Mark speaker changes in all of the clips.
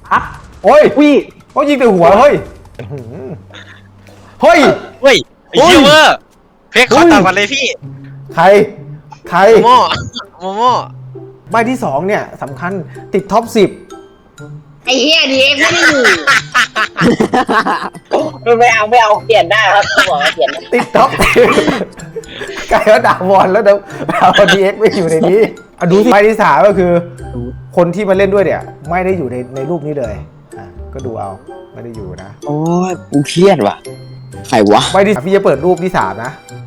Speaker 1: ฮะ
Speaker 2: โอ้ย
Speaker 1: อุ้ย
Speaker 2: เขายิงแต่หัวเฮ้ยเฮ้ย
Speaker 3: เฮ้ยไอ้เหี้ยเวอร์เพกขอตามกันเลยพี่
Speaker 2: ใคร
Speaker 3: โมโมโม
Speaker 2: ใบที่2เนี่ยสำคัญติดท็อป
Speaker 4: ไอ้เหี้ยดีเอ็กไม่ได้อยู่ไม่เอาเปลี่ยนได้ครับบอกว่าเปลี่ยนได้
Speaker 2: 10ติดท็อป10กลายว่าด่าวอนแล้วดาวดีเอ็กไม่อยู่ในนี้ดูสิใบที่3ก็คือ คนที่มาเล่นด้วยเนี่ยไม่ได้อยู่ในรูปนี้เลยก็ดูเอาไม่ได้อยู่นะ
Speaker 5: โอ้ยกูเครียดว่ะใครวะ
Speaker 2: ใบที่พี่จะเปิดรูปที่3นะ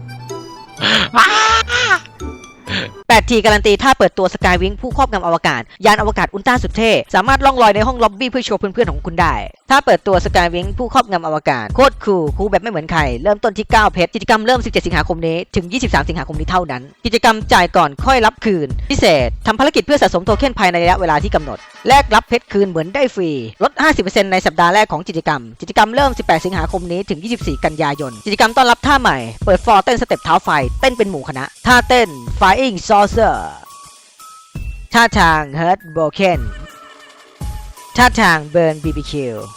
Speaker 6: 8T การันตีถ้าเปิดตัวสกายวิงผู้ครอบงำอวกาศยานอวกาศอุลตร้าสุดเท่สามารถล่องลอยในห้องล็อบบี้เพื่อโชว์เพื่อนๆของคุณได้ถ้าเปิดตัวสกายวิงผู้ครอบงำอวกาศโคตรคูลแบบไม่เหมือนใครเริ่มต้นที่9เพชรกิจกรรมเริ่ม17สิงหาคมนี้ถึง23สิงหาคมนี้เท่านั้นกิจกรรมจ่ายก่อนค่อยรับคืนพิเศษทำภารกิจเพื่อสะสมโทเค็นภายในระยะเวลาที่กำหนดแลกรับเพชรคืนเหมือนได้ฟรีลด 50% ในสัปดาห์แรกของกิจกรรมเริ่ม18สิงหาคมนี้ถึง24กันยายนกิจกรรมต้อนรับท่าใหม่เปิดฟอร์เต้นสเต็ปเท้าไฟเต้นเป็นหมู่คณะท่าเต้น Flying Saucerท่าทาง Hurt Broken ท่าทาง Burn BBQ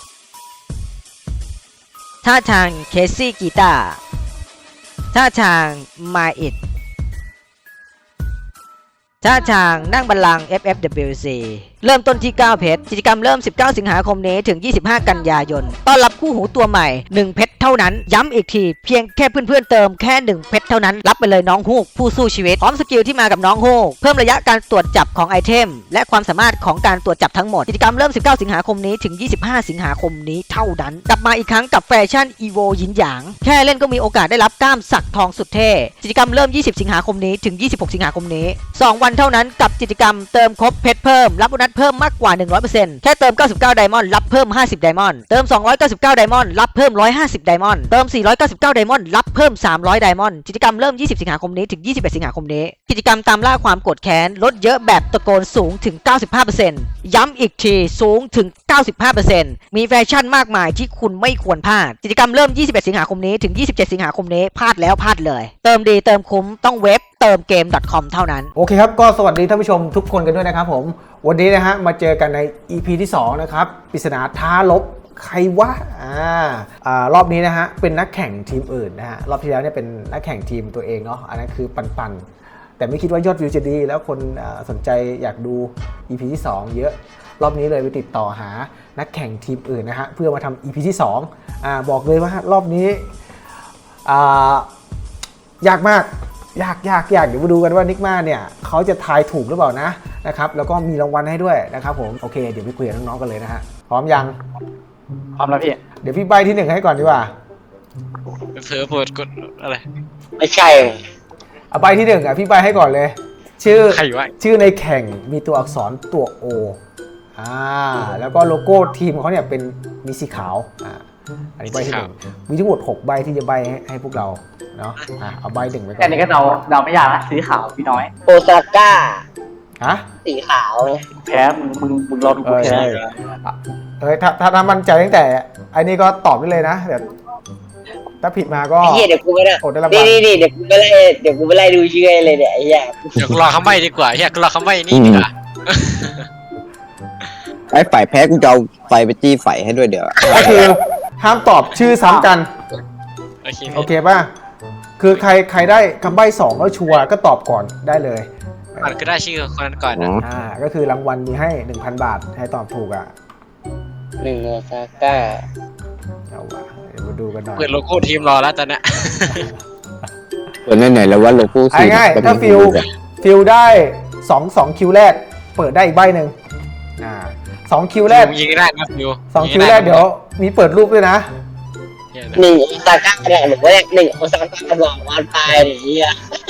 Speaker 6: ท่าทาง Casey Guitar ท่าทาง My It ท่าทางนั่งบัลลังก์ FFWC เริ่มต้นที่9เพชรกิจกรรมเริ่ม19สิงหาคมนี้ถึง25กันยายนต้อนรับคู่หูตัวใหม่1เพชรเท่านั้นย้ำอีกทีเพียงแค่เพื่อนๆเติมแค่1เพชรเท่านั้นรับไปเลยน้องฮูกผู้สู้ชีวิตพร้อมสกิลที่มากับน้องฮูกเพิ่มระยะการตรวจจับของไอเทมและความสามารถของการตรวจจับทั้งหมดกิจกรรมเริ่ม19สิงหาคมนี้ถึง25สิงหาคมนี้เท่านั้นกลับมาอีกครั้งกับแฟชั่นอีโวยินหยางแค่เล่นก็มีโอกาสได้รับกล้ามสักทองสุดเท่กิจกรรมเริ่ม20สิงหาคมนี้ถึง26สิงหาคมนี้2วันเท่านั้นกับกิจกรรมเติมครบเพชรเพิ่มรับโบนัสเพิ่มมากกว่า 100% แค่เติม99ไดมอนด์รับเพิ่ม50ไดมอนด์เติม299ไดมอนด์รับเพิ่ม150ไดมอนด์เติม499ไดมอนด์รับเพิ่ม300ไดมอนด์กิจกรรมเริ่ม20สิงหาคมนี้ถึง21สิงหาคมนี้กิจกรรมตามล่าความโกรธแค้นลดเยอะแบบตะโกนสูงถึง 95% ย้ำอีกทีสูงถึง 95% มีแฟชั่นมากมายที่คุณไม่ควรพลาดกิจกรรมเริ่ม21สิงหาคมนี้ถึง27สิงหาคมนี้พลาดแล้วพลาดเลยเติมดีเติมคุ้มต้องเว็บเติมเกม .com เท่านั้น
Speaker 2: โอเคครับก็สวัสดีท่านผู้ชมทุกคนกันด้วยนะครับผมวันนี้นะฮะมาเจอกันใน EP ที่2นะครับปริศนาท้าลบใครวะรอบนี้นะฮะเป็นนักแข่งทีมอื่นนะฮะรอบที่แล้วเนี่ยเป็นนักแข่งทีมตัวเองเนาะอันนั้นคือปันแต่ไม่คิดว่ายอดวิวจะดีแล้วคนสนใจอยากดู EP ที่2เยอะรอบนี้เลยไปติดต่อหานักแข่งทีมอื่นนะฮะเพื่อมาทำ EP ที่2บอกเลยว่ารอบนี้ยากมากยากเดี๋ยวมาดูกันว่านิกมาเนี่ยเขาจะทายถูกหรือเปล่านะครับแล้วก็มีรางวัลให้ด้วยนะครับผมโอเคเดี๋ยวไปคุยกับน้องๆกันเลยนะฮะพร้อมยัง
Speaker 1: พร้อมแล้วพี่
Speaker 2: เดี๋ยวพี่ใบที่1ให้ก่อนดีกว่า
Speaker 3: เผลอเปิดกดอะไร
Speaker 4: ไม่ใช่
Speaker 2: เอาใบที่1พี่ใบให้ก่อนเลยชื่อในแข่งมีตัวอักษรตัว O แล้วก็โลโก้ทีมเขาเนี่ยเป็นมีสีขาวอันนี้ใบที่1มีทั้งหมด6ใบที่จะใบให้พวกเราเนาะเอาใบ1ไปก่อน
Speaker 1: แค่นี้ก็เราไม่ยากนะสีขาวพี่น้อย
Speaker 4: โอซาก้า
Speaker 2: ฮะ
Speaker 4: สีขาว
Speaker 1: แพ้มึงรอดูกูแพ้
Speaker 2: ถ้ามันใจตั้งแต่อันนี้ก็ตอบได้เลยนะเดี๋ยวถ้าผิดมาก็
Speaker 4: ไอ้เหี้ยเดี๋ยวกูไม่ได้
Speaker 2: อดได้รางวัล
Speaker 4: นี่เดี๋ยวกูไปไล่ดูชื่อเลยเนี่ยไอ้เหี้ย
Speaker 3: เดี๋ยวกูรอคำใบ้ดีกว่าเฮียกูรอคำใบ้นี่ดีกว่า
Speaker 5: ไอ้ฝ่ายแพ้กูจะเอาไฟไปจี้ไฟให้ด้วยเดี๋ยว
Speaker 2: ก็คือห้ามตอบชื่อซ้ำกัน
Speaker 3: โอเค
Speaker 2: โอเคป่ะคือใครได้คำใบ้2แล้วชัวร์ก็ตอบก่อนได้เลย
Speaker 3: มันก็ได้ชื่อคนนั้นก่อนนะ
Speaker 2: ก็คือรางวัลมีให้ 1,000 บาทให้ตอบถูก
Speaker 4: หนึ่งโอซาก้า
Speaker 2: เอาวะเดี๋ยวมาดูกันหน่อย
Speaker 3: เปิดโลโก้ทีมรอแล้วตอนเนี้ย
Speaker 5: เปิดไหนๆแล้วว่าโลโก้สี
Speaker 2: ง่ายๆถ้าฟิลได้2คิวแรกเปิดได้อีกใบหนึ่ง2คิวแรก
Speaker 3: ยิงได้นะฟิว
Speaker 2: 2คิวแรกเดี๋ยวมีเปิดรูปด้วยนะ
Speaker 4: หนึ่งโอซาก้าเนี่ยหรือว่าหนึ่งโอซาก้าบอกวันไปไอ้เหี้ย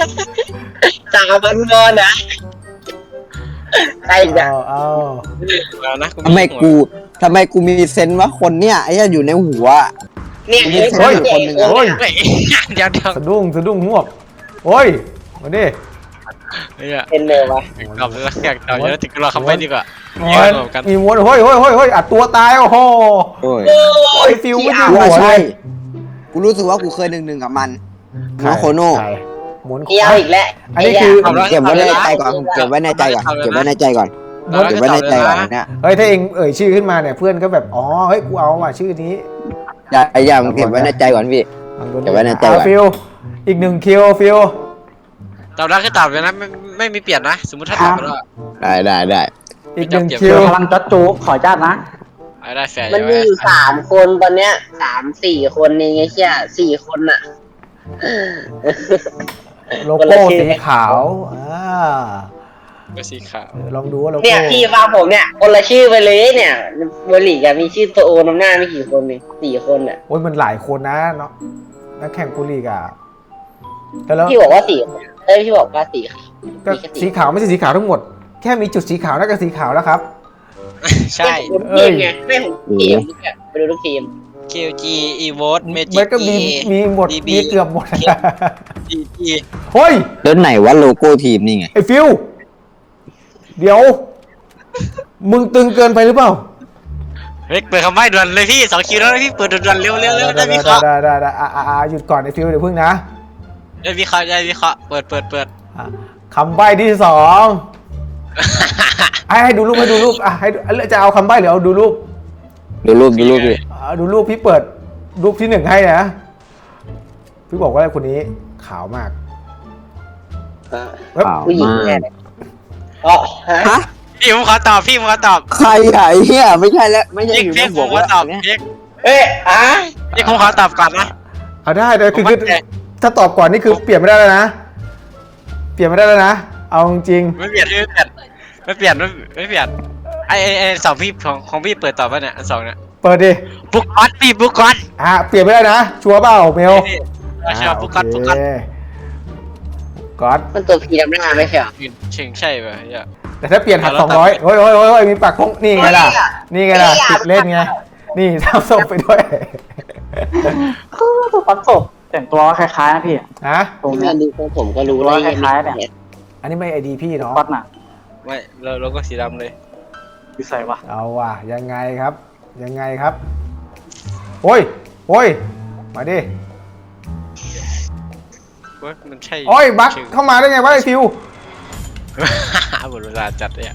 Speaker 4: 3,000 วอนนะใช่จ้ะ
Speaker 2: เอา
Speaker 3: แล้วนะ
Speaker 5: ทำไมกูมีเซนส์ว่าคนเนี้ยไอ้อยู่ในหัว
Speaker 4: เนี่ย
Speaker 2: โอ้ย
Speaker 3: โอ้ยเดี๋ยว
Speaker 2: สะดุ้งหวกโอ้ยมาดิ
Speaker 3: เนี่ย
Speaker 4: เป็นเลยวะ
Speaker 3: ตอบแล้วอยากตอบเยอะติดกูรอคำใบ้ดีกว่า
Speaker 2: มีม้วนเฮ้ยอัดตัวตายโอ้โห
Speaker 5: โอ้ย
Speaker 2: โอ้ยฟิลไม่อยู่
Speaker 5: กู
Speaker 2: หั
Speaker 5: ว่าว
Speaker 2: เล
Speaker 5: ใช่
Speaker 2: ย
Speaker 5: กูรู้สึกว่ากูเคย1-1กับมันน้องโคโน่
Speaker 2: หมุน
Speaker 4: เกี่ยวอีกแล้ว
Speaker 2: อันนี้คือ
Speaker 5: เก็บไว้ในใจก่อนเก็บไว้ในใจก่อนเก็บไว้ในใจก่อนเนี่ย
Speaker 2: เฮ้ยถ้าเองเอ่ยชื่อขึ้นมาเนี่ยเพื่อนก็แบบอ๋อเฮ้ยกูเอาว่ะชื่อนี้
Speaker 5: อย่าเก็บไว้ในใจก่อนพี่ เก็บไว้ในใจก่อน
Speaker 2: ฟิลอีก1 คิวฟิล
Speaker 3: ตอบได้คือตอบเลยนะไม่มีเปลี่ยนนะ สมมติถ้าตอบไปแล้ว
Speaker 5: ได้
Speaker 2: อีก
Speaker 3: ไม่
Speaker 2: 1
Speaker 3: จำ
Speaker 2: คิว
Speaker 1: พลังจัดจูขอจ้าตนะ
Speaker 3: ได้แฟร์
Speaker 4: มันมีอยู่3 คนตอนเนี้ย3-4 คนเองไอ้เชี่ย4 คนอะ
Speaker 2: โลโก้สีขาว
Speaker 3: ก็สีขาว
Speaker 2: ลองดูว่าโลโก้
Speaker 4: เนี่ยพี่ฟังผมเนี่ยคนละชื่อไปเลยเนี่ยเบอร์ลีกอะมีชื่อตัวโอนำหน้าไม่กี่คนเลย4 คนอะ
Speaker 2: โอ้ยมันหลายคนนะเนาะนักแข่งกุลีกอ่ะแล้ว
Speaker 4: พี่บอกว่า4 คนพี่บอกว่า4 ค่ะ
Speaker 2: ก็สีขาวไม่ใช่สีขาวทั้งหมดแค่มีจุดสีขาวนั่นก็สีขาวแล้วครับ
Speaker 3: ใช่
Speaker 4: ทีมไงไม่ของทีมไปดูทุกทีม
Speaker 3: KG Evote
Speaker 2: มัน
Speaker 3: Magic
Speaker 2: ก็มีหมด
Speaker 3: DB
Speaker 2: มีเกือบหมด
Speaker 3: DB
Speaker 2: เฮ้ย
Speaker 5: แล้วไหนว่าโลโก้ทีมนี่ไง
Speaker 2: ไอ้ฟิวเดี๋ยว มึงตึงเกินไปหรือเปล่า
Speaker 3: เฮ้ยเปิดคำใบ้ด่วนเลยพี่2 คิวแล้วนะพี่เปิดด่วนๆเร็วได้วิเคราะห์
Speaker 2: ได้หยุดก่อนไอ้ฟิวเดี๋ยวพึ่งนะ
Speaker 3: ได้วิเคราะห์เปิด
Speaker 2: อ่ะคำใบ้ที่สองให้ดูรูปอ่ะให้ดูจะเอาคำใบ้หรือเอาดูรูป
Speaker 5: ดูรูปพี่
Speaker 2: ดูรูปพี่เปิดรูปที่ 1ให้นะพี่บอกว่าคนนี้ขาวมาก
Speaker 5: ขาว
Speaker 4: ผู้หญิง
Speaker 5: มา
Speaker 4: แน่
Speaker 5: ก
Speaker 4: อ๋อฮะ
Speaker 5: ฮะ
Speaker 3: พี่ผมขอตอบพี่ผมขอตอบ
Speaker 5: ใครอ่ะไอ้เหี้ยไม่ใช่แล้วไม่ใช่
Speaker 3: พี่
Speaker 5: อยู่ใน
Speaker 3: พี่
Speaker 5: บ
Speaker 3: ผ
Speaker 5: ว
Speaker 3: ม
Speaker 5: ก
Speaker 3: ขอ
Speaker 5: แล้ว
Speaker 3: ตอบ
Speaker 5: เนี่ย
Speaker 3: พี่
Speaker 4: พี่
Speaker 3: ผมขอตอบก่อนนะ
Speaker 2: เอาได้เลยคือ
Speaker 3: ผมมั่นใจ
Speaker 2: ถ้าตอบก่อนนี่คือเปลี่ยนไม่ได้แล้วนะเปลี่ยนไม่ได้แล้วนะเอาจริง
Speaker 3: ไม่เปลี่ยนไอสองพี่ของพี่เปิดตอบป่ะเนี่ยอันสองเนี่ย
Speaker 2: เปิดดิ
Speaker 3: บุ๊กก๊อตพี่บุ๊กก๊อต
Speaker 2: เปลี่ยนไม่ได้นะชัวร์เปล่าเมล
Speaker 3: ใช่บุ๊กก๊อต
Speaker 2: โอ
Speaker 3: บุ๊ก
Speaker 2: เค
Speaker 3: ก๊อต
Speaker 2: ก๊อต
Speaker 4: มันตัวพีดำหน้าไม่ใช่เหรอ
Speaker 3: เชิงใช่ป่ะเนี่ย
Speaker 2: แต่ถ้าเปลี่ยนหัก
Speaker 3: แล้ว
Speaker 2: 200โอ้ยมีปากคงนี่ไงล่ะนี่ไงล่ะติดเล่นไงนี่ทำส่งไปด้วย
Speaker 1: ตัวปันศพแต่งตัวคล้ายๆนะพี่
Speaker 2: ฮะ
Speaker 1: ตรง
Speaker 4: พี่
Speaker 1: เนี้
Speaker 4: มาย ดูของผมก็รู้
Speaker 1: ตัวคล้ายๆเนี่ย
Speaker 2: อันนี้ไม่ไอดีพี่เนาะ
Speaker 1: ปัดน่ะ
Speaker 3: ไม่เราก็สีดำเลย
Speaker 1: อยู่ใส่วะ
Speaker 2: เอาว่ะยังไงครับโอ้ยมาดิ
Speaker 3: ว่ามันใช่
Speaker 2: โอ้ยบักเข้ามาได้ไงวะไอฟิว
Speaker 3: หมดเวลาจัดเลย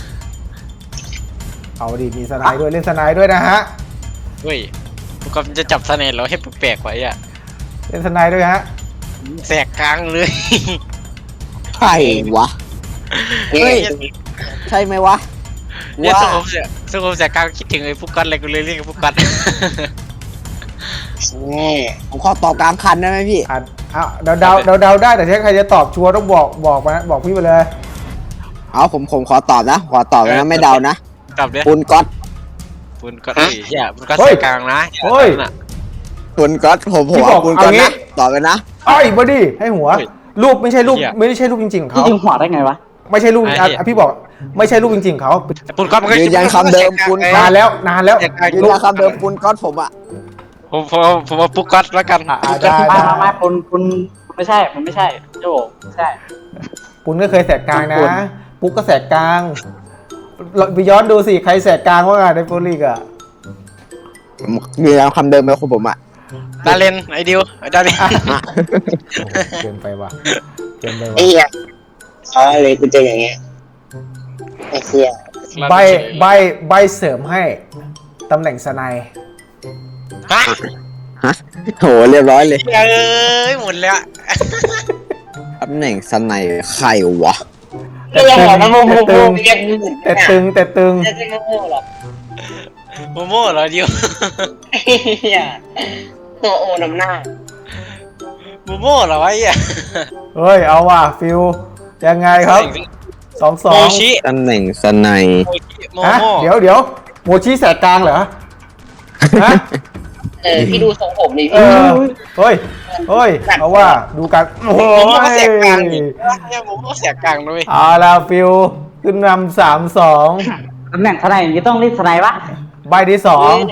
Speaker 2: เอาดิมีสไนด์ด้วยเล่นสไนด์ด้วยนะฮะ
Speaker 3: เฮ้ยบุ๊กก๊อตจะจับเสน่ห์เราให้แปลกๆไว้อะ
Speaker 2: เล่นสไนด์ด้วยฮะ
Speaker 3: แสกกลางเลย
Speaker 5: ใครวะ เฮ้ย ใช่ไหมวะ
Speaker 3: เนี่ย
Speaker 5: ว่า
Speaker 3: สุขุมแสกกลางคิดถึงไอ้บุ๊กก๊อตเลยกูเลยเรียกบุ๊กก๊อต
Speaker 5: ผมขอตอบกลางคันได้ไหมพี่
Speaker 2: เดาได้แต่ถ้าใครจะตอบชัวร์ต้องบอกพี่ไปเลย
Speaker 5: เอาผมขอตอบนะนะไม่เดานะ
Speaker 3: ตอบเลย
Speaker 5: ปุนก๊อต
Speaker 3: ปุนก๊อตเฮียปุนก๊อต
Speaker 2: เฮ้
Speaker 3: แส
Speaker 2: ย
Speaker 3: กกลางนะ
Speaker 2: เฮ้ย
Speaker 5: ปุนก๊อตผม
Speaker 2: พี่บอก
Speaker 5: เอาปุนก๊อต
Speaker 2: เอางี้
Speaker 5: นะตอบเลยนะ
Speaker 2: ไอ้บอดี้ให้หัว รูปไม่ใช่รูปจริงๆของ
Speaker 1: พี่
Speaker 2: เขา
Speaker 1: ยิงหัวได้ไงวะ
Speaker 2: ไม่ใช่รูปพี่บอกไม่ใช่รูปจริงๆของเขา
Speaker 3: ปุนก๊อตมันก็
Speaker 5: ยืนยันคำเดิมปุนก๊อต
Speaker 2: นานแล้ว
Speaker 5: ยืนยันคำเดิมปุนก๊อตผมอะ
Speaker 3: ผมเอาปุกก๊อตแล้วกัน
Speaker 2: ได้
Speaker 1: ไม่คุณไม่ใช่มันไม่ใช่โจไม่ใช่
Speaker 2: ปุณก็เคยแสกกลางนะ ปุ๊กก็แสกกลางเราไปย้อนดูสิใครแสกกลางว่าไงในโปรลีกอะ
Speaker 5: ยืนยันคำเดิมไปของผมอะ
Speaker 3: ดาเลนไอดิวดาเลน
Speaker 2: เกินไปว่ะ
Speaker 4: ไอ้เหี้ยเลยกูเจออย่างเงี้ยไอ้เหี้ย
Speaker 2: ใบเสริมให้ตำแหน่งสไนด์
Speaker 3: ฮะ
Speaker 5: โหเรียบร้อยเลย
Speaker 3: เอ้ยหมดแล้ว
Speaker 5: ตำแหน่งสไนใครวะ
Speaker 4: ไม่ใช่หัวนะโมโมโมเรียก
Speaker 2: แต่ตึง
Speaker 4: ไม่ใช่โมโมหรอก
Speaker 3: โมโม่เหรอดิว
Speaker 4: ไอ้เหี้ยตัวโอนำหน้า
Speaker 3: โมโม่เหรอวะไอ้เหี้ย
Speaker 2: เฮ้ยเอาว่ะฟิวยังไงครับ
Speaker 3: โม
Speaker 2: 2-2
Speaker 3: ชิ
Speaker 5: ตำแหน่งสไน
Speaker 3: โม
Speaker 2: ฮะ
Speaker 3: โม่
Speaker 2: เดี๋ยวโมชิแสกกลางเหรอฮะ
Speaker 4: พี่ดูทรงผมดิ
Speaker 2: เอ
Speaker 4: พี่
Speaker 2: อเฮ้ยเอาว่าดูกันโอ้
Speaker 3: โมโม่ก็แสกกลาง
Speaker 2: ย
Speaker 3: นี่โมโม่แสกกลางด้วย
Speaker 2: เอาละฟิวขึ้นนำ3-2
Speaker 1: ตำแหน่งทนายอย่างนี้ต้องรีดทนายปะ
Speaker 2: ใบที่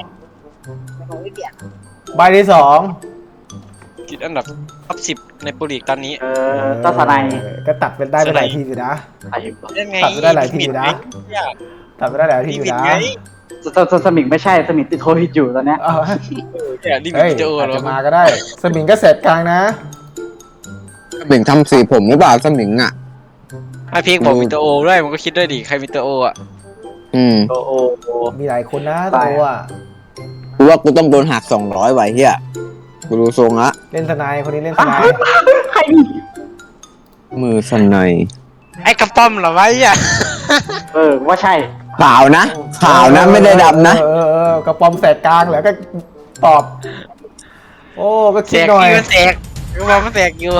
Speaker 2: 2ใบที่ 2
Speaker 3: ติดอันดับท็อป10ในโปรลีกตอนนี้
Speaker 1: ต้องทนาย
Speaker 2: ก็ตัดไปได้ไปหลายทีอยู่นะ
Speaker 1: ไอ้
Speaker 3: ยังไง
Speaker 2: ตัดไปได้หลายทีอยู่นะ ตัดไปได้หลายที
Speaker 3: ลิ
Speaker 2: อยู่
Speaker 3: มิต
Speaker 2: นะ
Speaker 3: ไง
Speaker 1: สมิงไม่ใช่สมิงติดโควิดอยู่ตอนเนี้ย
Speaker 3: เนี่ยลิมิต
Speaker 2: เฮ้ย
Speaker 3: จะโอ้
Speaker 2: อาจ
Speaker 3: เหรอ
Speaker 2: จะมาก็ได้ สมิงก็แสกกลางนะ
Speaker 5: สมิงทำสีผมหรือเปล่าสมิงอะ
Speaker 3: ไอพีกบอกมีตัวโอด้วยมันก็คิดด้วยดิใครมีตัวโออ่ะ
Speaker 1: โอโอโอ
Speaker 2: มีหลายคนนะตัวอ่ะ
Speaker 5: กูว่ากูต้องโดนหัก200ไว้เฮียกูดูทรงละ
Speaker 2: เล่นทนายคนนี้เล่นทนาย
Speaker 1: ใครนี่
Speaker 5: มือสนาย
Speaker 3: ไอ้กระป้อมเหรอวะอ่ะ
Speaker 1: ว่าใช่
Speaker 5: ขาวนะขาวนะไม่ได้ดำนะ
Speaker 2: กระป๋อมแสกกลางเหรอก็ตอบ โอ้ก็
Speaker 3: แส
Speaker 2: คิด
Speaker 3: ก
Speaker 2: หน่อย
Speaker 3: พี่มันแสกกระป้อมมันแสกอยู่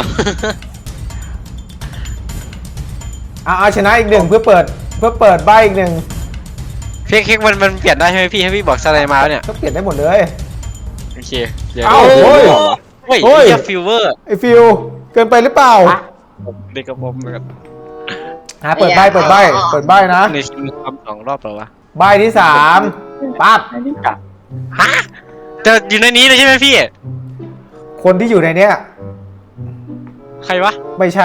Speaker 2: เอาชนะอีกหนึ่งเพื่อเปิดใบอีกหนึ่ง
Speaker 3: เค้กมันเปลี่ยนได้ใช่ไหมพี่ให้พี่บอกสไลด์มาเนี่ย
Speaker 2: ก็เปลี่ยนได้หมดเลย
Speaker 3: โอเคเดี๋ยว
Speaker 2: เอ้าโอ้ย
Speaker 3: เฮ้ย
Speaker 2: โอ้ย
Speaker 3: เฮียฟิวเวอร์
Speaker 2: ไอฟิวเกินไปหรือเปล่า
Speaker 3: เด็กกระป้อมแบบ
Speaker 2: เปิดใบนะ
Speaker 3: ในทีมทำ2 รอบเหรอวะ
Speaker 2: ใบที่3ปั๊บ
Speaker 1: ในนี้กัด
Speaker 3: ฮะจะอยู่ในนี้เลยใช่ไหมพี่
Speaker 2: คนที่อยู่ในเนี้ย
Speaker 3: ใครวะ
Speaker 2: ไม่ใช่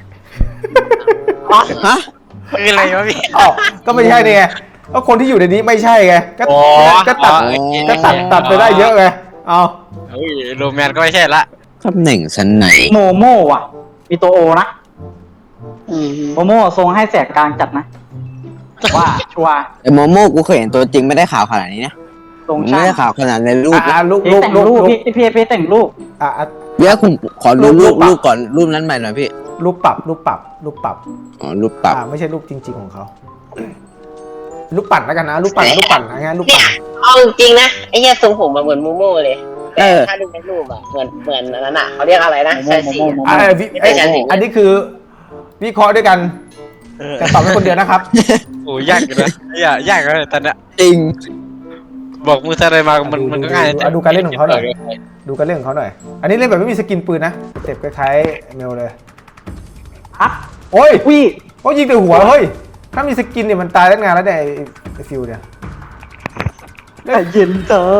Speaker 5: ฮะ
Speaker 3: คืออะไรวะพี่
Speaker 2: อ้าวก็ไม่ใช่นี่ไงก็คนที่อยู่ในนี้ไม่ใช่ไงก็
Speaker 3: อ๋อ
Speaker 2: ก็ตัด
Speaker 3: โอเค
Speaker 2: ก็ตัดไปได้เยอะไงเอา
Speaker 3: เฮ้ยโรแมนก็ไม่ใช่ละ
Speaker 5: ตำแหน่งสนาย
Speaker 1: โมโม่ว่ะ มีตัวโอนะโมโม่ทรงให้แสกกลางจัดนะว่าชัวร์
Speaker 5: แต่โมโม่กูเคยเห็นตัวจริงไม่ได้ขาวขนาดนี้นะ
Speaker 1: ทรง
Speaker 5: ไม่
Speaker 1: ช่าง
Speaker 5: ได้ขาวขนาดในรูปนะ
Speaker 2: ลูก
Speaker 1: พี่แต่งรูปพี่แต่งรูป
Speaker 2: อ่ะ
Speaker 5: เดี๋ยวคุณขอดู
Speaker 2: รู
Speaker 5: รู
Speaker 2: ป
Speaker 5: ปรูปก่อนรูปนั้นใหม่หน่อยพี่
Speaker 2: ลูกปรับ
Speaker 5: อ๋อรูปปรับ
Speaker 2: ไม่ใช่รูปจริง ๆของเขาลูกปั่นแล้วกันนะลูกปั่นนะงั้นลูก
Speaker 4: เนี่
Speaker 2: ปั่
Speaker 4: ย
Speaker 2: น
Speaker 4: เอาจริงๆนะไอ้เหี้ยทรงผมมาเหมือนมูโม่เลยแต่ถ้าดูในรูปอะเหมือนอันนั้นอะเขาเรียกอะไรนะใช่สิ
Speaker 2: อันนี้คือวิเคราะห์ด้วยกันแต่ตอบเป็นคนเดียวนะครับ
Speaker 3: โอ้ยยากอยู่นะยากเลยตอนเนี้ย
Speaker 5: จริง
Speaker 3: บอกมือสไลด์มามันก็ง่าย
Speaker 2: ดูการเล่นของเขาหน่อยดูการเล่นของเขาหน่อย อันนี้เล่นแบบไม่มีสกินปืนนะเต็บคล้ายๆเมลเลย
Speaker 1: ฮะ
Speaker 2: โอ้ย
Speaker 1: วิ
Speaker 2: เขายิงแต่หัวเฮ้ยถ้ามีสกินเนี่ยมันตายตั้งนานแล้วเนี่ยไอ้ฟิวเนี่ย
Speaker 1: แต่เย็นเจอ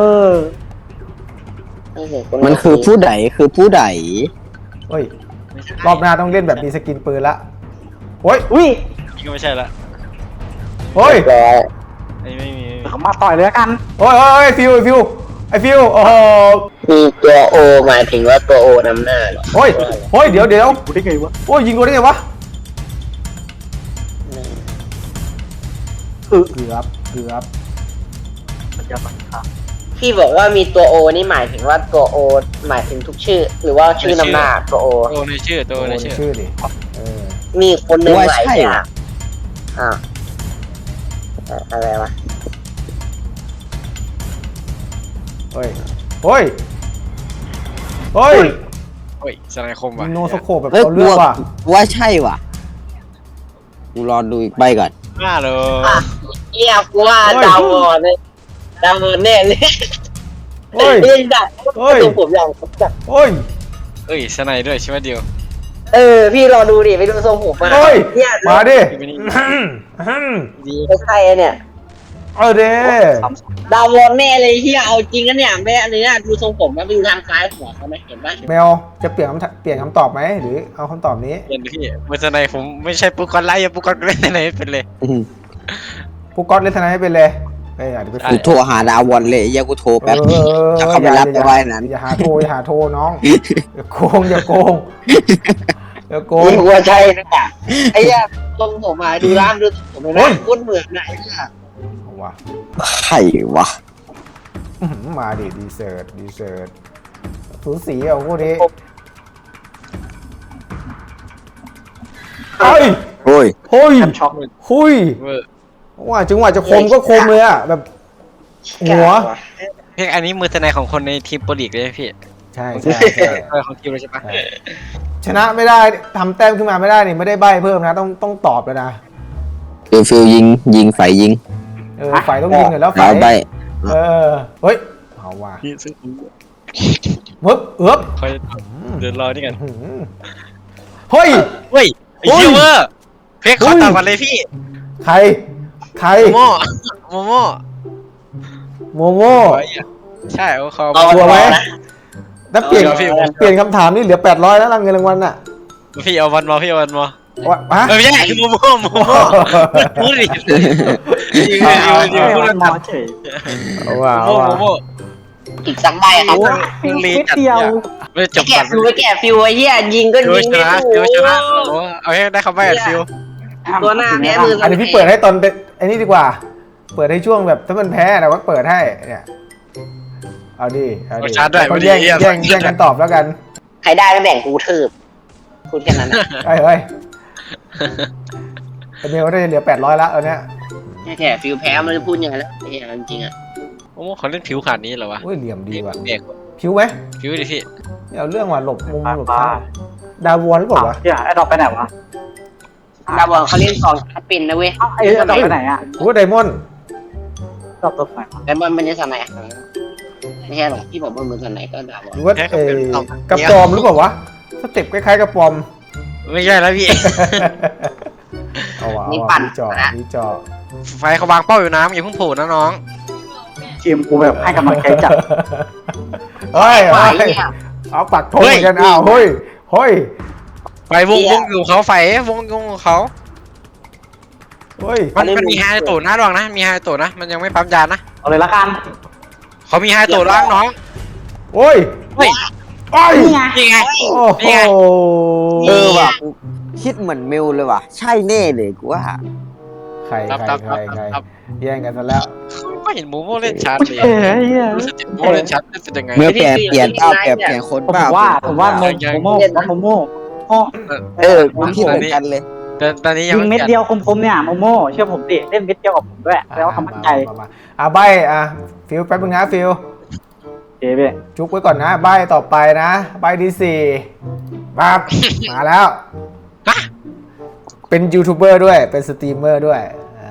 Speaker 5: มันคือผู้ใด
Speaker 2: เฮ้ยรอบหน้าต้องเล่นแบบมีสกินปืนละโอ้ย
Speaker 1: วิ
Speaker 3: นี่ก็ไม่ใช่ละ
Speaker 2: โอ้ย
Speaker 3: ไม่มี
Speaker 1: เขามาต่อยเลยละกัน
Speaker 2: โอ้ยฟิวโอ้โห
Speaker 4: มีตัวโอหมายถึงว่าตัวโอนำหน้าเหรอ
Speaker 2: โอ้ยเดี๋ยว
Speaker 1: กูได้ไงวะ
Speaker 2: โอ้ยยิงกูได้ไงวะเกือบ
Speaker 1: มันจะบังคับ
Speaker 4: พี่บอกว่ามีตัวโอนี่หมายถึงว่าตัวโอหมายถึงทุกชื่อ หรือว่าชื่อนำหน้าตัวโอ
Speaker 3: โตในชื่อโต
Speaker 2: โอ้
Speaker 3: ใน
Speaker 2: ย
Speaker 3: ชื่อ
Speaker 2: ชื่อดิเออ
Speaker 4: มีคนหนึ่ง
Speaker 5: ว่า
Speaker 4: หลาย
Speaker 5: ใช่
Speaker 4: อย่า
Speaker 5: เหรอ
Speaker 4: งอ่าวอะไรวะ
Speaker 2: เฮ้ย
Speaker 3: โอ้ยสไลด์คมว่ะ
Speaker 2: โนสโคปแบบ
Speaker 5: เฮ้ย
Speaker 2: เอา
Speaker 5: กู
Speaker 2: เรื่องว่ะ
Speaker 5: ว่าใช่ว่ะกูรอดูอีกใบก่อน
Speaker 3: น่าเลย
Speaker 4: เอียกูว่าดาวบอลเนี่ยดาวบอลแน่เลย
Speaker 2: เฮ้ย
Speaker 4: เฮ้ยได้
Speaker 2: เฮ้ย
Speaker 4: ตัวผมอย่างจัด
Speaker 2: เฮ้ย
Speaker 3: เอ้ยสไลด์ด้วยใช่ไหมเดียว
Speaker 4: พี่รอดูดิไปดูทรงผมมา
Speaker 2: เฮ้ย
Speaker 4: เนี่ย
Speaker 2: มาดิ
Speaker 3: ดี
Speaker 4: ไม่ใช่อะเนี่ย
Speaker 2: เอาเด้
Speaker 4: ดาวบอลแน่เลยเฮียเอาจริงกันเนี่ยแม่อันนี้นะดูทรงผมแล้วไปดูทางซ้ายหัวเขาไหมเห็นปะ
Speaker 2: แมวจะเปลี่ยนคำตอบไหมหรือเอาคำตอบนี้
Speaker 3: เย็นพี่มือสไลด์ผมไม่ใช่ปุ๊กกอนไลท์ปุ๊กกอนเล่นในไหนเป็นเลย
Speaker 2: ผู้ก๊อตเล่นทนายให้เป็นเลยเฮ้ยอาจจะไป
Speaker 5: กูโทรหาดาวอนเลยไอ้เหี้ยกูโทรแป๊บจะเข้าไปรับไปไว้นั้น
Speaker 2: อย่าหาโทรน้องอย่าโกงอย่าโกง
Speaker 4: นี่หัวใจนะไอ้เหี้ยทรงผมมาดูร้านดูทรงผมเลยนะคุ้นเหมือนไหนเนี่ย
Speaker 2: ว่ะ
Speaker 5: ใครวะ
Speaker 2: มาดิดีเซิร์ตสูสีอ่ะพวกนี้เฮ้ย
Speaker 5: โอ้ย
Speaker 1: แคมช็อก
Speaker 2: หุย
Speaker 3: เวอร์
Speaker 2: ว่าจังหวะจะคมก็คมเลยอ่ะแบบหัว
Speaker 3: เพียงอันนี้มือสไลด์ของคนในทีมโปรลีกเลยพี่
Speaker 2: ใช่
Speaker 3: ของทีมเลยใช่ปะ
Speaker 2: ชนะไม่ได้ทำแต้มขึ้นมาไม่ได้นี่ไม่ได้ใบเพิ่มนะต้องตอบเลยนะ
Speaker 5: ฟิลยิงไฟยิง
Speaker 2: ฝ่ายต้องยิงเลยแล้วฝ่า
Speaker 5: เอา
Speaker 2: ย
Speaker 5: ใบ
Speaker 2: เฮ้ยเอาว่ะ
Speaker 3: พี่ซึ่ง
Speaker 2: มึบเอื้อบ
Speaker 3: คอยเดินรอนี่กัน
Speaker 2: เฮ้ย
Speaker 3: เฮ้ยไอ้เหี้ยเวอร์เพียงขอตามกันเลยพี่
Speaker 2: ใคร
Speaker 3: โมโม่
Speaker 2: โมโม่
Speaker 3: ใช่เขา
Speaker 2: กลัวไหมถ้าเปลี่ยน
Speaker 3: เอาพี่
Speaker 2: เปลี่ยนคำถามนี่เหลือ800แล้วเงินรางวัลน่ะ
Speaker 3: พี่เอาวันมาพี่เอาวันมา
Speaker 2: ฮะ
Speaker 3: ไม่ใช่คือโมพูดดิยืนพูดแล้ว
Speaker 1: มาเฉย
Speaker 2: เอาว่ะ
Speaker 3: โม
Speaker 4: อีกสักใบครับ
Speaker 3: ลีจัดไม่จบ
Speaker 4: แกะ
Speaker 3: ก่อน
Speaker 4: ฟิวไอ้เหี้ยยิงก็
Speaker 3: ฟิว
Speaker 4: ยิง
Speaker 3: ช
Speaker 4: ไม่
Speaker 3: นะ
Speaker 4: ถู
Speaker 3: ฟิว
Speaker 4: ก
Speaker 3: ชนะเอาให้ได้คำใบ้กับฟิว
Speaker 4: ตัวหน้าแพ้มือ
Speaker 2: อันนี้พี่เปิดให้ตอนเป็นไอ้นี่ดีกว่า เปิดให้ช่วงแบบถ้ามันแพ้แต่ว่าเปิดให้เนี่ยเอาดิเอาดิเขาแย่งกันตอบแล้วกัน
Speaker 4: ใครได้ก็แบ่งกูทืบพูดแค่นั้นนะ
Speaker 2: เฮ้ยไอเมลได้เหลือ800แล้วเอาเนี้ย
Speaker 4: แค่ฟิลแพ้มันจะพูดยังไงแล้วไอ้เหี้ยจริงๆอ่ะ
Speaker 3: โอ้โหเขาเล่นผิวขนาดนี้เหรอวะ
Speaker 2: อุ้ยเหลี่ยมดีว่ะ
Speaker 3: เด็ก
Speaker 2: ผิวไหม
Speaker 3: ผิวดิพี่
Speaker 2: เอาเรื่องว่ะหลบมุมหลบทางดาววนหรือเปล่าวะ
Speaker 1: เดี๋ยวไอ้ดอกไปไหนวะ
Speaker 4: ดาวบอลเขาเล่นสองชัดเป็นนะเว้ย
Speaker 1: ไอ้ดอกไปไหนอ่ะ
Speaker 2: โอ้ไดมอนด์
Speaker 1: ดอกตัวไหน
Speaker 4: แต่มันไม่ได้สนายไม่ใช่หรอกที่บอกว่ามือสนายก็ดาวบอล
Speaker 2: หรือว่ากระปอมหรือเปล่าวะสเต็ปคล้ายๆกระปอม
Speaker 3: ไม่ใช่แล้วพี่
Speaker 2: เอาว่ะ
Speaker 4: นี่ปั่น
Speaker 2: มีจอ
Speaker 3: ไฟเขาวางเป้าอยู่น้ำอย่าเพิ่งโผล่นะน้อง
Speaker 1: ทีมกูแบบให้กำลังใจจัด
Speaker 2: เฮ้ย
Speaker 4: ไหว
Speaker 2: เฮ้ย
Speaker 4: เนี่ย
Speaker 2: เอาปักธงเหมือนกันอ้าวเฮ้ย
Speaker 3: ไฟวงอยู่เขาไฟวงของเขา
Speaker 2: เฮ้ย
Speaker 3: มันมีไฮโตนะระวังนะมีไฮโตนะมันยังไม่ปั๊มยานะ
Speaker 1: เอาเลยละกัน
Speaker 3: เขามีไฮโตล้างน้อง
Speaker 2: โอ้ย
Speaker 3: เฮ้ย
Speaker 2: โอ้ย
Speaker 3: นี่ไง
Speaker 2: โอ้โห
Speaker 5: ว่ะกูคิดเหมือนเมลเลยว่ะ ใช่แน่เลยกูว่า
Speaker 2: ใคร
Speaker 3: ครับ
Speaker 2: แย่งกันซะแล้ว
Speaker 3: ไม่เห็นโมโม่เล่นชัดเลย
Speaker 1: เอ้ย
Speaker 3: รู้สึกโมเล่นชัดเป็นยังไง
Speaker 5: เมื่อแปรเปลี่ยนเปล่าแปรเปลี่ยนคน
Speaker 1: ผม
Speaker 5: เปล่า
Speaker 1: ว่าโมโม่
Speaker 5: กูคิดเหมือนกันเลย
Speaker 3: แต่ตอนนี้ยัง
Speaker 1: ยิงเม็ดเดียวคมๆเนี่ยโมโม่เชื่อผมดิเล่นเม็ดเดียวกับผมด้วยแล้วทำมั่นใจ
Speaker 2: ใบฟิลแป๊บนึงนะฟิล
Speaker 1: เจ๊เบ้
Speaker 2: จุกไว้ก่อนนะใบต่อไปนะใบที่4ปั๊บ มาแล้ว เป็นยูทูบเบอร์ด้วยเป็นสตรีมเมอร์ด้วย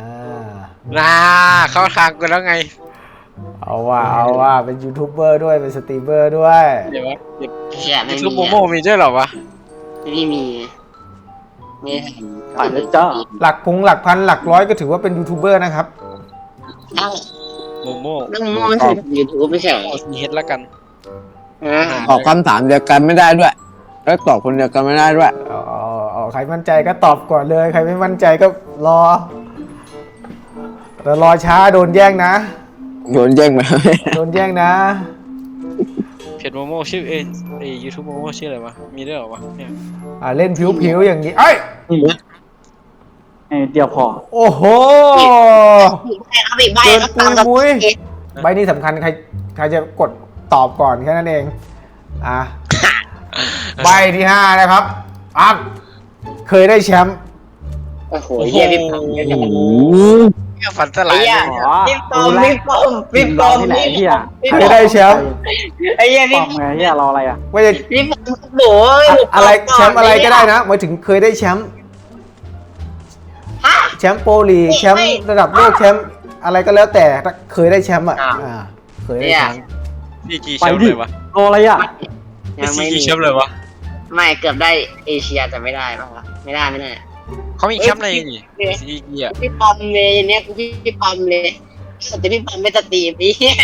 Speaker 3: เข้าทางกันแล้วไง
Speaker 2: เอาว่าเป็นยูทูบเบอร์ด้วยเป็นสตรีมเมอร์ด้วย
Speaker 3: เดี๋ยววะ
Speaker 4: เชี่ยไม่
Speaker 3: ลูกโม
Speaker 4: มี
Speaker 3: โม่มีด้วยเหรอวะ
Speaker 4: ไม่มีไม่
Speaker 1: ไปเลยจ้า
Speaker 2: หลักพันหลักร้อยก็ถือว่าเป็นยูทูบเบอร์นะครับ
Speaker 3: โมโม่
Speaker 4: ต้องมองไม่ใช่ยูทูบไม่ใช่เหรอ
Speaker 3: เอาซีเฮดแล้วกัน
Speaker 5: ตอบคำถามเดียวกันไม่ได้ด้วย แล้วตอบคนเดียวกันไม่ได้ด้วย
Speaker 2: เอาใครมั่นใจก็ตอบก่อนเลย ใครไม่มั่นใจก็รอแต่รอช้าโดนแย่งนะ
Speaker 5: โดนแย่งไป
Speaker 2: โดนแย่งนะ
Speaker 3: เพจโมโม่ชื่อยูทูบโมโม่ชื่ออะไรวะมีด้วยเหรอวะเนี่ย
Speaker 2: เล่นผิวๆอย่างนี้เอ้ย
Speaker 1: เดียวพอ
Speaker 2: โอ้โห
Speaker 4: เอาอีกใบ
Speaker 2: เกิน
Speaker 4: ครับ
Speaker 2: ปุยมุ้ยใบนี้สำคัญใครจะกดตอบก่อนแค่นั้นเองใบที่5นะครับปั๊บเคยได้แชมป์
Speaker 4: โอ้โหเยี่ยพี่ปอม
Speaker 3: เนี่ยฝันสลาย
Speaker 4: พี่ปอมพี่ปอม
Speaker 1: ที่ไหนพี่อ่ะ
Speaker 2: เคยได้แชมป์
Speaker 4: ไอ้เยี่ย
Speaker 1: ป
Speaker 4: พี่
Speaker 1: อมไงพี่รออะไรอ่ะ
Speaker 2: ว่าจะ
Speaker 4: พี่ปอมโอ้ย
Speaker 2: อะไรแชมป์อะไรก็ได้นะหมายถึงเคยได้แชมป์แชมป์โปรลีกแชมป์ระดับโลกแชมป์อะไรก็แล้วแต่ถ้าเคยได้แชมป์เคยได้แชมป์
Speaker 3: พี่กี่แชมป์เลยวะ
Speaker 1: รออะไรอ่ะ
Speaker 4: ยังไม่
Speaker 3: กี่
Speaker 4: มี
Speaker 3: แชมป์เลยวะ
Speaker 4: ไม่เกือบได้เอเชียแต่ไม่ได้ป่ะวะไม่ได้
Speaker 3: เขามีแชมป์อะไรอีกซีกีอ่ะ
Speaker 4: พี่ปอมเลยเนี่ยพี่ปอมเลยแต่พี่ปอมไม่สตรีมพี่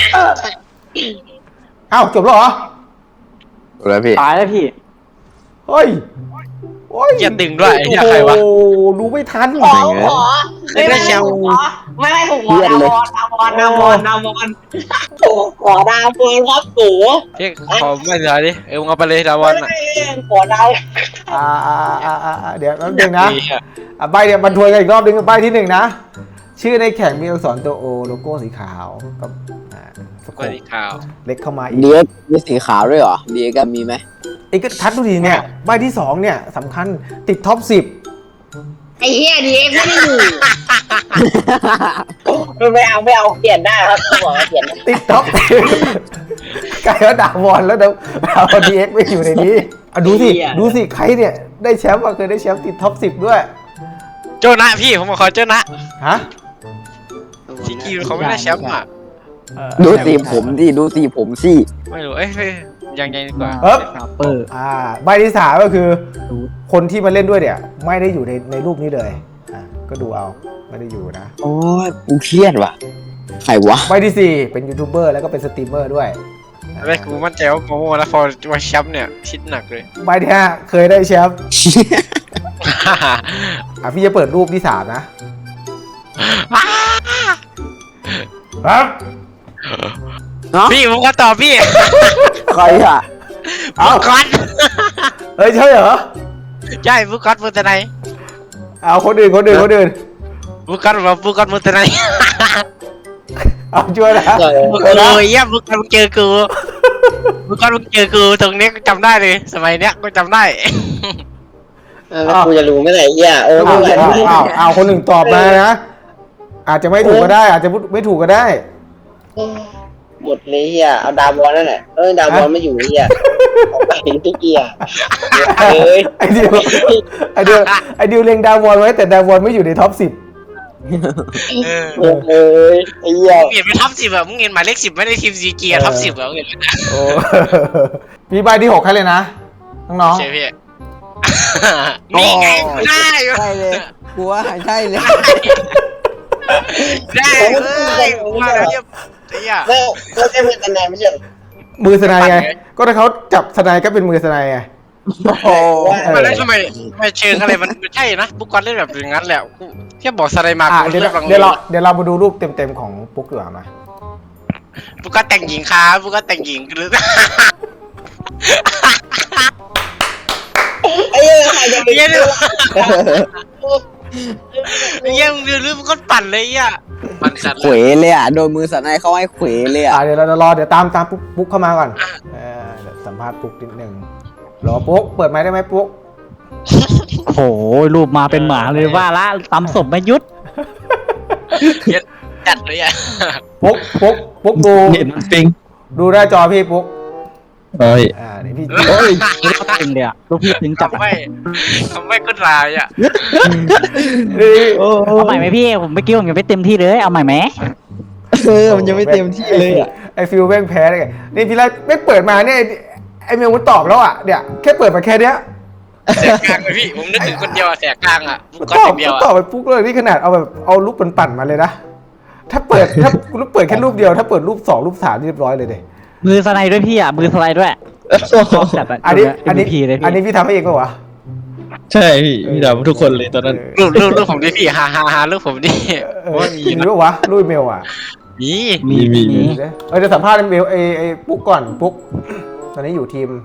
Speaker 2: เอ้าจบแล้วเหรอ
Speaker 5: แล้วพี่
Speaker 1: ตายแล้วพี่
Speaker 2: เฮ้ยโอ้ย
Speaker 3: อย่าดึงด้วยอย่าใครวะ
Speaker 2: โอ้ดูไม่ทัน
Speaker 4: ขอ
Speaker 3: ได้แชมป์
Speaker 4: ไม่ผมขอดาวอนขอดาวอนครับโถ
Speaker 3: พี่ขอไม่เหลือดิมึงเอาไปเลยดาวอนอ่ะ
Speaker 4: ขอดาว
Speaker 2: เดี๋ยวแป๊บนึงนะใบเดี๋ยวมันทวนกันอีกรอบนึงใบที่1นะชื่อในแข่งมีอักษรตัวโอโลโก้สีขาวกับสโค
Speaker 3: ก็
Speaker 2: ป
Speaker 3: ดีข่าว
Speaker 2: เล็กเข้ามาอีก
Speaker 5: เดียกมีสีขาวด้วยเหรอเดียกมีไหม
Speaker 2: ไอ้ก็ทัดดูดีเนี่ยใบที่2เนี่ยสำคัญติดท็อป 10
Speaker 4: ไอ้เหี้ยดีเอ็กไม่ได้อยู่ไม่เอาเปลี่ยนได้ครับบอกเปลี่ยน
Speaker 2: ติดท็อป 10กลายว่าดาวอนแล้วดาวดีเอ็กไม่อยู่ในนี้ดูสิใครเนี่ยได้แชมป์เคยได้แชมป์ติดท็อป 10 ด้วย
Speaker 3: โจนะพี่ผมมาขอโจนะ
Speaker 2: ฮะ
Speaker 3: ซีกีเขาไม่ได้แชมป์อ่ะ
Speaker 5: ดูสีผมดิดูสีผมสิ
Speaker 3: ไม่รู้ยังดีกว่า
Speaker 2: ใบที่3ก็คือคนที่มาเล่นด้วยเนี่ยไม่ได้อยู่ในรูปนี้เลยก็ดูเอาไม่ได้อยู่นะ
Speaker 5: โอ้ยกูเครียดว่ะใครวะ
Speaker 2: ใบที่4เป็นยูทูบเบอร์แล้วก็เป็นสตรีมเมอร์ด้วย
Speaker 3: อะไรกูมั่นใจว่าโมโม่แล้วพอมาแชมป์เนี่ยคิดหนักเลย
Speaker 2: ใบที่5เคยได้แชมป์พี่จะเปิดรูปที่3นะครับ
Speaker 3: พี่ผมก็ตอบพี่
Speaker 5: ใครอ่ะ
Speaker 3: ฟุกก๊อต
Speaker 2: เฮ้ยใช่เหรอ
Speaker 3: ใช่ฟุกก๊อตฟูตไน
Speaker 2: เอาคนอื่น
Speaker 3: บุกกันมึงแต่ไหน
Speaker 2: เอาช่วยนะ
Speaker 3: บุกกันเลยเยี่ยบุกกันมึงเจอกูตรงนี้กูจำได้เลยสมัยเนี้ยกูจำได้
Speaker 4: แล้วกูจะรู้ไม่ไหนเหี้ยไม่ไหว
Speaker 2: เอาคนหนึ่งตอบมานะอาจจะไม่ถูกก็ได้ อาจจะไม่ถูกก็ได้
Speaker 4: หมดเลยเหี้ยเอาดาวบอลนั่นแหละดาวบอลไม่อยู่เหี้ยเอาไปทุกเกียร์เฮ้ย
Speaker 2: ไอเดียวเล็งดาววอนไว้แต่ดาววอนไม่อยู่ในท็อป 10
Speaker 4: เอ้ยไอ้เหี้ย
Speaker 3: มึงเห็นเป็นท็อป10อ่ะมึงเห็นหมายเลข10ไม่ได้ทีมซีเกียร์ท็อป10อ่ะมึงเห็น
Speaker 2: โอ้พี่ใบที่ 6ให้เลยนะน้อง
Speaker 3: ใช่พี่นี่ไงได้
Speaker 5: ใช่เลยกูว่าใช่เลย
Speaker 3: ได้เลยมาแล้วเนี่ยไอ้เหี้ย
Speaker 4: ไม่ใช่เพื่อนกันแน่ไม่ใช่
Speaker 2: ๆมือสไนไงก็ถ้าเขาจับสไนก็เป็นมือสไนไง
Speaker 5: โอ้
Speaker 3: มาแล้วทำไมเชิงอะไรมันใช่นะบุกกันเล่นแบบอย่างนั้นแหละแค่บอกสไลด์มา
Speaker 2: เดี๋ยวเรามาดูรูปเต็มๆของปุ๊กดีกว่ามา
Speaker 3: บุกกันแต่งหญิงครับบุกกันแต่งหญิงหรือ
Speaker 4: ไอ้เหี้ยใครจะไป
Speaker 3: เยี่ยมึงดูรูปมันก็ปั่นเลยอ่ะปั่นสัตว์
Speaker 5: เขวเลยอ่ะโดนมือสันในเขาให้เขวเลยอ่ะ
Speaker 2: เดี๋ยวเรารอเดี๋ยวตามปุ๊กเข้ามาก่อนเดี๋ยวสัมภาษณ์ปุ๊กนิดนึงรอปุ๊กเปิดไมค์ได้ไหมปุ๊ก
Speaker 1: โอ้โหรูปมาเป็นหมาเลยว่าละตำศพไม่ยุด
Speaker 3: จัดเลยอ่ะ
Speaker 2: ปุ๊กดู
Speaker 7: เห็นปิง
Speaker 2: ดูหน้าจอพี่ปุ๊ก
Speaker 7: โอ้ย
Speaker 2: นี่พี่
Speaker 7: โอ้ย
Speaker 1: ตึงเลยอะลูกพี่ตึงจัด
Speaker 3: ทำไม่ก็รายอ่ะ
Speaker 1: เอาใหม่ไหมพี่ผมไม่กิ้วผมยังไม่เต็มที่เลยเอาใหม่ไหม
Speaker 7: มันยังไม่เต็มที่เลยอ่ะ
Speaker 2: ไอฟิลแม่งแพ้เลยนี่พี่ไล่ไม่เปิดมาเนี่ยไอเมลมันตอบแล้วอ่ะเนี่ยแค่เปิดมาแค่เนี้ย
Speaker 3: แสกกลางเลยพี่ผมนึกถึงคนเดียวแสกกลางอ่ะบุก
Speaker 2: ต
Speaker 3: กัน
Speaker 2: อบ
Speaker 3: อย่างเดียว
Speaker 2: ตอ
Speaker 3: อ่ะ
Speaker 2: บไปปุ๊กเลยนี่ขนาดเอารูปปั่นๆมาเลยนะถ้าเปิดแค่รูปเดียวถ้าเปิดรูป2รูป3เรียบร้อยเลยเด้
Speaker 1: มือสไลด์ด้วยพี่อ่ะมือสไลด์ด้วยจัด
Speaker 2: อันนี้
Speaker 1: พีเลย
Speaker 2: อัน
Speaker 1: พี่
Speaker 2: นี้พี่ทำให้เองป่าวะ
Speaker 7: ใช่พี่ดำทุกคนเลยตอนนั้น
Speaker 3: รูปผมดิพี่ฮารูปผมดิ
Speaker 2: มีป่าวะรูปเมลอ่ะ
Speaker 3: มี
Speaker 7: มี
Speaker 2: เดี๋ยวสัมภาษณ์เมลไอปุ๊กก่อนปุ๊กตอนนี้อยู่ทีม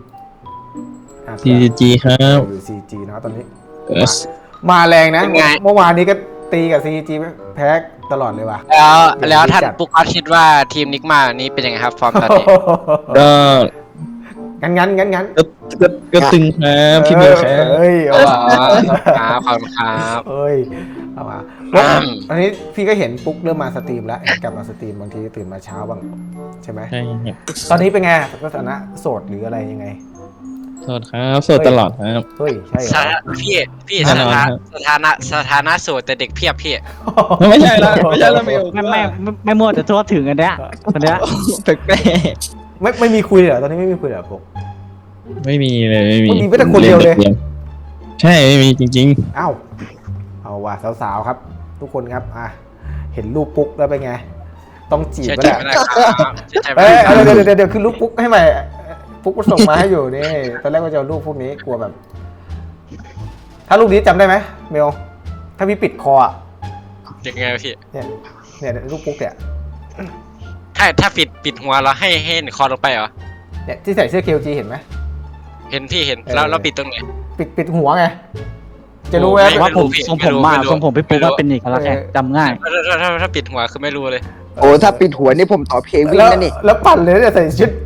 Speaker 7: CG ครับ
Speaker 2: อยู่ CG นะตอนนี้
Speaker 7: เออ
Speaker 2: มาแรงนะเมื่อวานนี้ก็ตีกับ CG แพ้ตลอดเลยว่ะ
Speaker 3: แล้วท่านปุ๊กเขาคิดว่าทีมนิกมานี้เป็นยังไงครับฟอร์มตอนนี้
Speaker 7: ก็
Speaker 2: งั้น
Speaker 7: ก็ตึงครับพี่เมลครับ
Speaker 2: เอ้ยเอาว่ะ
Speaker 3: ครับขอบคุณครับ
Speaker 2: เอ้ยเอามาอันนี้พี่ก็เห็นปุ๊กเริ่มมาสตรีมแล้วกลับมาสตรีมบางทีตื่นมาเช้าบ้างใช่ไหม
Speaker 7: ใช่ครับ
Speaker 2: ตอนนี้เป็นไงสถานะโสดหรืออะไรยังไง
Speaker 7: โสดครับโสดตลอดครับ
Speaker 2: เฮ้ยใช่เหรอ
Speaker 3: พี่สถานะโสดแต่เด็กเพียบพี่
Speaker 7: ไม่ใช่ละเมล
Speaker 1: ไม่มั่วแต่ทั่วถึงกันเนี้ยคนเนี้ย
Speaker 7: แปลก
Speaker 2: ไม่มีคุยเหรอตอนนี้ไม่มีคุยเหรอปุ๊ก
Speaker 7: ๆไม่มีเลยไม่มี
Speaker 2: มันมีแค่คนเดียวเลย
Speaker 7: ใช่ไม่มีจริง
Speaker 2: เอ้าเอาว่ะสาวๆครับ ทุกคนครับเห็นรูปปุ๊กแล้วเป็นไง ต้องจีบ
Speaker 3: เชื่อ
Speaker 2: ก็
Speaker 3: ใจ
Speaker 2: ได้
Speaker 3: ไม่ได้ครับเชื่อใจไม่
Speaker 2: เอ้
Speaker 3: ได้
Speaker 2: ยเดี๋ยวคือรูปปุ๊กให้ใหม่ปุ๊กก็ส่งมาให้อยู่นี่ตอนแรกว่าจะเอารูปพวกนี้กลัวแบบ ถ้ารูปนี้จำได้ไหมเมลถ้าพี่ปิดคออ่ะ
Speaker 3: ยังไงพี่
Speaker 2: เนี่ยรูปปุ๊กเนี่ย
Speaker 3: ถ้าปิดหัวเราให้เห็นคอลงไปเหรอ
Speaker 2: เนี่ยที่ใส่เสื้อ KLG เห็นไหม
Speaker 3: เห็นพี่เห็นแล้วปิดตรงไหน
Speaker 2: ปิดหัวไงจะรู้ไหม
Speaker 3: ไม่
Speaker 1: ว่าผมทรงผมมา
Speaker 3: ไม่รู้
Speaker 1: ทรงผมพี่ปุ๊กว่าเป็นอีกแล้วไงจำง่าย
Speaker 3: ถ้าปิดหัวคือไม่รู้เลย
Speaker 5: โอ้ถ้าปิดหัวนี่ผมตอบเควินนั่นนี่
Speaker 2: แล้วปั่นเลยเนี่ยใส่ชุด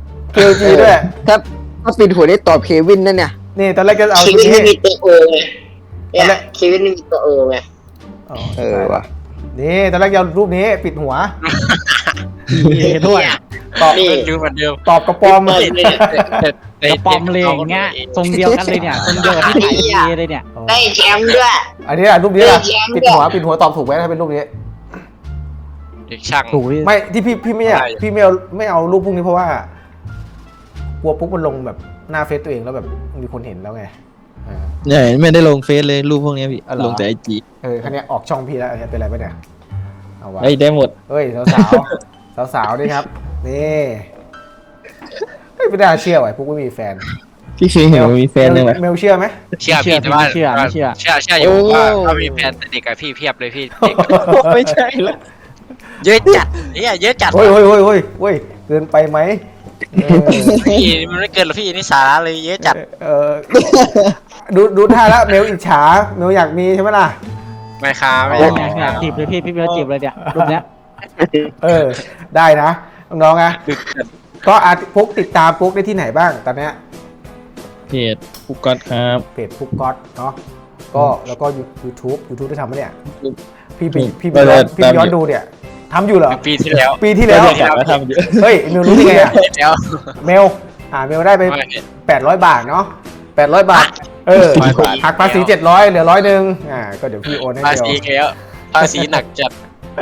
Speaker 2: KLG ด้วย
Speaker 5: ถ้าปิดหัวนี่ตอบเควินนั่นเนี่ย
Speaker 2: นี่ตอนแรกก็เอา
Speaker 4: ชี
Speaker 2: ชุ
Speaker 4: วิ
Speaker 2: ด
Speaker 4: ต
Speaker 2: นี้
Speaker 4: ไม่มีตัวโอไงเนี่ยชีวิตไม่มีตัวโอไง
Speaker 5: ว่ะ
Speaker 2: นี่ตอนแรกจะเอารูปนี้ปิดหัว
Speaker 1: ด้วย
Speaker 2: ตอบ
Speaker 4: นี่
Speaker 3: ดูเหมือนเดิม
Speaker 2: ตอบกระปอม
Speaker 4: เปิดเลยเนี่ย
Speaker 1: กระปอมเลยอย่างเงี้ยทรงเดียวกันเลยเนี่ยทรงเดียวกับที่ถ่ายทีเลยเนี่ย
Speaker 4: ได้แชมป์ด้วย
Speaker 2: อันนี้รูปนี้ล่ะ
Speaker 4: แย้ม
Speaker 2: ปิดหัวตอบถูกไหมถ้าเป็นรูปนี้
Speaker 3: เด็กช่าง
Speaker 1: ถูกพี่
Speaker 2: ไม่ที่พี่ไม่อยาก
Speaker 3: อะไร
Speaker 2: พี่ไม่เอารูปพวกนี้เพราะว่ากลัวปุ๊บมันลงแบบหน้าเฟซตัวเองแล้วแบบมีคนเห็นแล้วไง
Speaker 7: ๆใช่ไม่ได้ลงเฟซเลยรูปพวกนี้พี่
Speaker 2: อ๋อเหรอ
Speaker 7: ลงแต่ไอจี
Speaker 2: คันนี้ออกช่องพี่แล้วอันนี้เป็นไรปะเนี่ยเอาวะ
Speaker 7: ได้หมด
Speaker 2: เฮ้ยสาวด้วยครับนี่เฮ้ยไม่น่าเชื่อว่ะปุ๊บไม่มีแฟน
Speaker 7: พี่เคยเห็นว่ามีแฟนยังไง
Speaker 2: เมลเชื่อไหม
Speaker 3: เชื่อพี่แต่ว่าเชื่ออยู่ว่าถ้ามีแฟนแต่เด็กกับพี่เพียบเลยพี่เด็ก
Speaker 7: ไม่ใช่ละ
Speaker 3: เยอะจัดเนี่ยเยอะจัด
Speaker 2: โอ้ยเกินไปไหม
Speaker 3: พี่มันไม่เกินหรอกพี่นี่สาระเลยเยอะจัด
Speaker 2: เออดูท่าแล้วเมลอิจฉาเมลอยากมีใช่ไหมล่ะ
Speaker 3: ไม่ค้าไม่
Speaker 1: อ
Speaker 3: ได้
Speaker 1: ยากจีบเลยพี่เบลจีบเลยเนี่ยรูปเนี้ย
Speaker 2: ได้นะน้องๆนะก็ปุ๊กติดตามปุ๊กได้ที่ไหนบ้างตอนเนี้ย
Speaker 7: เพจฟุกก๊อตครับ
Speaker 2: เพจปุ๊กก๊อตเนาะก็แล้วก็ YouTube ได้ทำไหมเนี่ยพี่ไป
Speaker 7: ก็เลย
Speaker 2: ย้อนดูเนี่ยทำอยู่เหรอ
Speaker 3: ปีที่แล้ว
Speaker 2: ปีที่แล้ว
Speaker 7: ก็อยากมาทำเยอะ
Speaker 2: เฮ้ยเมลรู้ได้ไงอะ
Speaker 3: แล้ว
Speaker 2: เมลเมลได้ไป800 บาทเนาะ800 บาทหักภาษี700เหลือ100นึงก็เดี๋ยวพี่โอนให้
Speaker 3: ภา
Speaker 2: เดียว
Speaker 3: ษีแล้วภาษีหนักจัด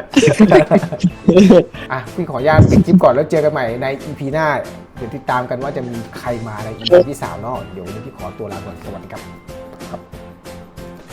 Speaker 2: พี่ขออนุญาตปิดคลิปก่อนแล้วเจอกันใหม่ใน EP หน้าเดี๋ยวติดตามกันว่าจะมีใครมาใน EP ที่3เนาะเดี๋ยววันนี้พี่ขอตัวลาก่อนสวัสดีครับ